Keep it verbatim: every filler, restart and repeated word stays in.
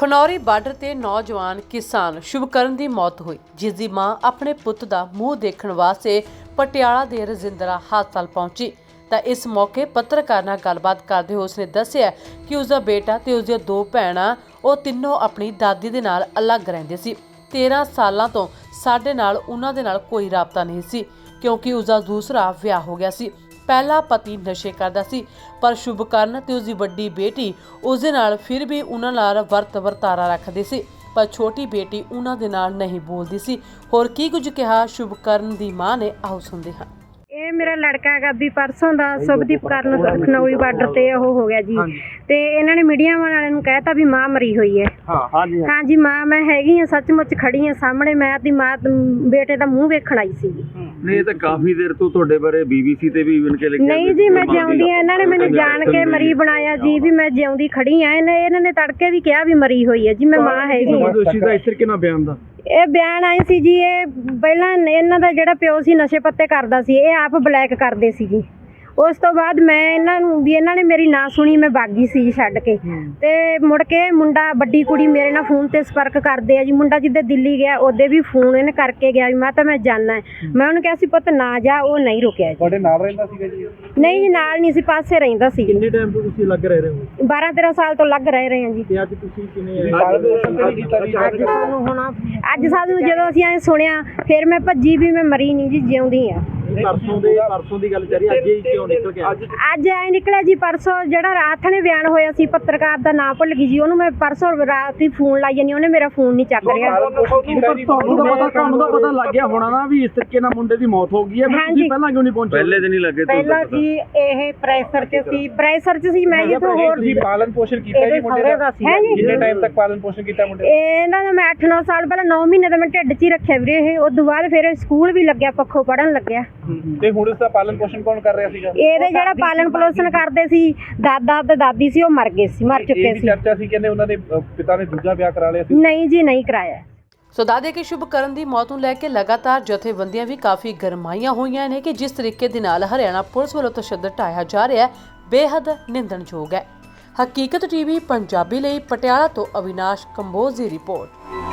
Khanauri border ਤੇ ਨੌਜਵਾਨ ਕਿਸਾਨ ਸ਼ੁਭਕਰਨ ਦੀ ਮੌਤ ਹੋਈ, ਜਿਸ ਦੀ ਮਾਂ ਆਪਣੇ ਪੁੱਤ ਦਾ ਮੂੰਹ ਦੇਖਣ ਵਾਸਤੇ ਪਟਿਆਲਾ ਦੇ ਰਜਿੰਦਰਾ ਹਸਪਤਾਲ ਪਹੁੰਚੀ ਤਾਂ ਇਸ ਮੌਕੇ ਪੱਤਰਕਾਰ ਨਾਲ ਗੱਲਬਾਤ ਕਰਦੇ ਹੋਏ ਉਸਨੇ ਦੱਸਿਆ ਕਿ ਉਸਦਾ ਬੇਟਾ ਤੇ ਉਸਦੀਆਂ ਦੋ ਭੈਣਾਂ ਉਹ ਤਿੰਨੋਂ ਆਪਣੀ ਦਾਦੀ ਦੇ ਨਾਲ ਅਲੱਗ ਰਹਿੰਦੇ ਸੀ। ਤੇਰਾਂ ਸਾਲਾਂ ਤੋਂ ਸਾਡੇ ਨਾਲ ਉਹਨਾਂ ਦੇ ਨਾਲ ਕੋਈ ਰਾਬਤਾ ਨਹੀਂ ਸੀ ਕਿਉਂਕਿ ਉਸਦਾ ਦੂਸਰਾ ਵਿਆਹ ਹੋ ਗਿਆ ਸੀ। ਪਹਿਲਾ ਪਤੀ ਨਸ਼ੇ ਕਰਦਾ ਸੀ ਪਰ ਸ਼ੁਭਕਰਨ ਤੇ ਉਸਦੀ ਵੱਡੀ ਬੇਟੀ ਉਸ ਦੇ ਨਾਲ ਫਿਰ ਵੀ ਉਹਨਾਂ ਨਾਲ ਵਰਤ ਵਰਤਾਰਾ ਰੱਖਦੇ ਸੀ, ਪਰ ਛੋਟੀ ਬੇਟੀ ਉਹਨਾਂ ਦੇ ਨਾਲ ਨਹੀਂ ਬੋਲਦੀ ਸੀ। ਹੋਰ ਕੀ ਕੁਝ ਕਿਹਾ ਸ਼ੁਭਕਰਨ ਦੀ ਮਾਂ ਨੇ, ਆਓ ਸੁਣਦੇ ਹਾਂ। ਇਹ ਮੇਰਾ ਲੜਕਾ ਹੈਗਾ ਵੀ ਪਰਸੋਂ ਦਾ ਸੁਭਦੀਪ ਕਰਨ ਖਨੌਰੀ ਬਾਰਡਰ ਤੇ ਉਹ ਹੋ ਗਿਆ ਜੀ, ਤੇ ਇਹਨਾਂ ਨੇ ਮੀਡੀਆ ਵਾਲਿਆਂ ਨੂੰ ਕਹਿਤਾ ਵੀ ਮਾਂ ਮਰੀ ਹੋਈ ਹੈ। ਹਾਂ ਹਾਂਜੀ ਹਾਂਜੀ ਮਾਂ ਮੈਂ ਹੈਗੀ ਆ, ਸੱਚਮੁੱਚ ਖੜੀ ਆ ਸਾਹਮਣੇ। ਮੈਂ ਆਪਣੀ ਮਾਂ ਬੇਟੇ ਦਾ ਮੂੰਹ ਵੇਖਣ ਆਈ ਸੀ। ਨਹੀਂ, ਇਹ ਤਾਂ ਕਾਫੀ ਦੇਰ ਤੋਂ ਤੁਹਾਡੇ ਬਾਰੇ ਬੀਬੀਸੀ ਤੇ ਵੀ ਇਵਨ ਕੇ ਲਿਖਿਆ। ਨਹੀਂ ਜੀ, ਮੈਂ ਜਿਉਂਦੀ ਆ। ਇਹਨਾਂ ਨੇ ਮੈਨੂੰ ਜਾਣ ਕੇ ਮਰੀ ਬਣਾਇਆ ਜੀ, ਵੀ ਮੈਂ ਜਿਉਂਦੀ ਖੜੀ ਆ। ਇਹਨੇ ਇਹਨਾਂ ਨੇ ਤੜਕੇ ਵੀ ਕਿਹਾ ਵੀ ਮਰੀ ਹੋਈ ਹੈ ਜੀ, ਮੈਂ ਮਾਂ ਹੈਗੀ ਆ। ਦੋਸ਼ੀ ਦਾ ਇਸ ਤਰੀਕੇ ਨਾਲ ਬਿਆਨ ਦਾ ਇਹ ਬਿਆਨ ਆਏ ਸੀ ਜੀ, ਇਹ ਪਹਿਲਾਂ ਇਹਨਾਂ ਦਾ ਜਿਹੜਾ ਪਿਓ ਸੀ ਨਸ਼ੇ ਪੱਤੇ ਕਰਦਾ ਸੀ, ਇਹ ਆਪ ਬਲੈਕ ਕਰਦੇ ਸੀ ਜੀ। ਉਸ ਤੋਂ ਬਾਅਦ ਮੈਂ ਇਹਨਾਂ ਨੂੰ ਵੀ ਇਹਨਾਂ ਨੇ ਮੇਰੀ ਨਾ ਸੁਣੀ, ਮੈਂ ਬਾਗੀ ਸੀ ਜੀ ਛੱਡ ਕੇ। ਤੇ ਮੁੜ ਕੇ ਮੁੰਡਾ ਵੱਡੀ ਕੁੜੀ ਮੇਰੇ ਨਾਲ ਫੋਨ ਤੇ ਸੰਪਰਕ ਕਰਦੇ ਆ ਜੀ। ਮੁੰਡਾ ਜਿੱਦੇ ਦਿੱਲੀ ਗਿਆ ਉਹਦੇ ਵੀ ਫੋਨ ਇਹਨੇ ਕਰਕੇ ਗਿਆ ਵੀ ਮੈਂ ਤਾਂ ਮੈਂ ਜਾਣਾ ਹੈ। ਮੈਂ ਉਹਨੂੰ ਕਿਹਾ ਸੀ ਪੁੱਤ ਨਾ ਜਾ, ਉਹ ਨਹੀਂ ਰੁਕਿਆ ਜੀ। ਤੁਹਾਡੇ ਨਾਲ ਰਹਿੰਦਾ ਸੀਗਾ ਜੀ? ਨਹੀਂ ਜੀ, ਨਾਲ ਨਹੀਂ ਸੀ, ਪਾਸੇ ਰਹਿੰਦਾ ਸੀ। ਕਿੰਨੇ ਟਾਈਮ ਤੋਂ ਤੁਸੀਂ ਲੱਗ ਰਹੇ ਹੋ? ਬਾਰਾਂ ਤੇਰਾਂ ਸਾਲ ਤੋਂ ਲੱਗ ਰਹੇ ਰਹੇ ਹਾਂ ਜੀ। ਤੇ ਅੱਜ ਤੁਸੀਂ ਕਿਵੇਂ ਅੱਜ ਸਾਨੂੰ ਹੁਣ ਅੱਜ ਸਾਨੂੰ ਜਦੋਂ ਅਸੀਂ ਐ ਸੁਣਿਆ ਫਿਰ ਮੈਂ ਭੱਜੀ ਵੀ ਮੈਂ ਮਰੀ ਨਹੀਂ ਜੀ, ਜਿਉਂਦੀ ਆ। ਪਰਸੋਂ ਦੇ ਪਰਸੋਂ ਦੀ ਗੱਲ ਚੱਲ ਰਹੀ, ਅੱਜ ਹੀ ਕਿਉਂ ਨਿਕਲ ਗਿਆ? ਅੱਜ ਐ ਨਿਕਲਿਆ ਜੀ, ਪਰਸੋਂ ਜਿਹੜਾ ਰਾਤ ਨੇ ਬਿਆਨ ਹੋਇਆ ਸੀ, ਪੱਤਰਕਾਰ ਦਾ ਨਾਂ ਭੁੱਲ ਗਈ ਜੀ, ਉਹਨੂੰ ਮੈਂ ਪਰਸੋਂ ਰਾਤ ਹੀ ਫੋਨ ਲਾਈ ਜਾਨੀ, ਉਹਨੇ ਮੇਰਾ ਫੋਨ ਨਹੀਂ ਚੱਕ ਰਿਹਾ। ਤੁਹਾਨੂੰ ਤਾਂ ਪਤਾ ਤੁਹਾਨੂੰ ਤਾਂ ਪਤਾ ਲੱਗ ਗਿਆ ਹੋਣਾ ਨਾ ਵੀ ਇਸ ਤਰੀਕੇ ਨਾਲ ਮੁੰਡੇ ਦੀ ਮੌਤ ਹੋ ਗਈ ਹੈ, ਤੁਸੀਂ ਪਹਿਲਾਂ ਕਿਉਂ ਨਹੀਂ ਪਹੁੰਚੇ? ਪਹਿਲੇ ਦਿਨ ਹੀ ਲੱਗੇ। ਪਹਿਲਾਂ ਜੀ ਇਹ ਪ੍ਰੈਸ਼ਰ 'ਚ ਸੀ, ਪ੍ਰੈਸ਼ਰ 'ਚ ਸੀ। ਮੈਂ ਜਿੱਥੋਂ ਹੋਰ ਤੁਸੀਂ ਪਾਲਣ ਪੋਸ਼ਣ ਕੀਤਾ ਜੀ ਮੁੰਡੇ ਦਾ? ਹੈ ਜੀ। ਕਿੰਨੇ ਟਾਈਮ ਤੱਕ ਪਾਲਣ ਪੋਸ਼ਣ ਕੀਤਾ ਮੁੰਡੇ? ਇਹਨਾਂ ਦਾ ਮੈਂ ਅੱਠ ਨੌ ਸਾਲ ਪਹਿਲਾਂ ਨੌ ਮਹੀਨੇ ਦਾ ਮੈਂ ਢਿੱਡ 'ਚ ਹੀ ਰੱਖਿਆ ਵੀਰੇ ਇਹ। ਉਸ ਤੋਂ ਬਾਅਦ ਫਿਰ ਸਕੂਲ ਵੀ ਲੱਗਿਆ, ਪੱਖੋਂ ਪੜ੍ਹਨ ਲੱਗਿਆ। ਤੇ ਹੁਣ ਇਸ ਦਾ ਪਾਲਣ ਪੋਸ਼ਣ ਕੌਣ ਕਰ ਰਿਹਾ ਸੀਗਾ? ਇਹਦੇ ਜਿਹੜਾ ਪਾਲਣ ਪੋਸ਼ਣ ਕਰਦੇ ਸੀ ਦਾਦਾ ਤੇ ਦਾਦੀ ਸੀ, ਉਹ ਮਰ ਗਏ ਸੀ, ਮਰ ਚੁੱਕੇ ਸੀ। ਚਰਚਾ ਸੀ ਕਹਿੰਦੇ ਉਹਨਾਂ ਦੇ ਪਿਤਾ ਨੇ ਦੂਜਾ ਵਿਆਹ ਕਰਾ ਲਿਆ ਸੀ। ਨਹੀਂ ਜੀ, ਨਹੀਂ ਕਰਾਇਆ। ਸੋ ਦਾਦੇ ਕਿ ਸ਼ੁਭਕਰਨ ਦੀ ਮੌਤ ਨੂੰ ਲੈ ਕੇ ਲਗਾਤਾਰ ਜਥੇਬੰਦੀਆਂ ਵੀ ਕਾਫੀ ਗਰਮਾਈਆਂ ਹੋਈਆਂ ਨੇ ਕਿ ਜਿਸ ਤਰੀਕੇ ਦੇ ਨਾਲ ਹਰਿਆਣਾ ਪੁਲਿਸ ਵੱਲੋਂ ਤਸ਼ੱਦਦ ਢਾਇਆ ਜਾ ਰਿਹਾ ਹੈ, ਬੇਹੱਦ ਨਿੰਦਣਯੋਗ ਹੈ। ਹਕੀਕਤ ਟੀਵੀ ਪੰਜਾਬੀ ਲਈ ਪਟਿਆਲਾ ਤੋਂ ਅਵਿਨਾਸ਼ ਕੰਬੋਜ ਦੀ ਰਿਪੋਰਟ।